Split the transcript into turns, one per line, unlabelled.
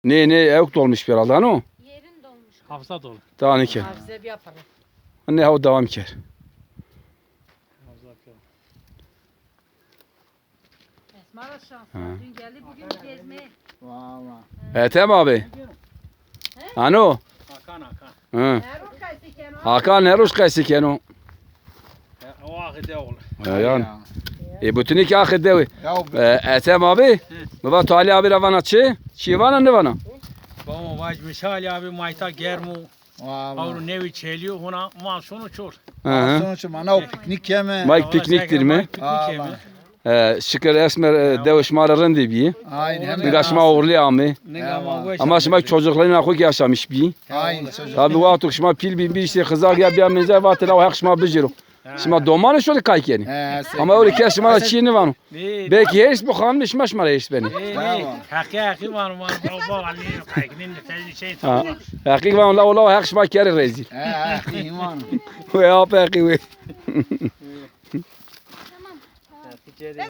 Ne yok dolmuş bir herhalde o.
Yerin dolmuş.
Hafıza dolu.
Daha ne ki?
Hafize bir yapalım.
Ne o devam ker.
Hafıza yapıyor.
Esma da şanslı.
Ha.
Dün geldi bugün gezmeye.
Valla.
Ethem abi. Ano?
Hakan.
Hı.
Erol kaysı keno.
Hakan ne ruş kaysı keno.
O akide oğlu.
Yani. Bütün iki akı devi.
Ya
Ethem abi. Baba Tali abi ravana çi vana ne vana?
Bama vaj misali abi mayta germu.
valla.
Avru nevi çeliyor ona mal sonu çor.
Hı.
Sonuç mana o piknik yeme.
Mike pikniktir mi?
Piknik
Şükür esmer devşmarların dibi.
Aynen.
Bir aşma uğurlu ami.
yemi.
Ama şimdi çocukların akı yaşamış bir.
Aynen çocuk.
Tabi vakti şimdi pil bir işte kızar ya bir amca vakti o hak şimdi biciro. Şimdi domanı şöyle kaykeni. Ama öyle ki şimdi çiğni var. Belki her iş bu kanun iş maş mara iş beni.
Hakiki var baba Ali kaykinin de tezli şey
Ha.
tamam.
Hakik var la hak şimdi kere rezil.
İman.
Ve apa ki we.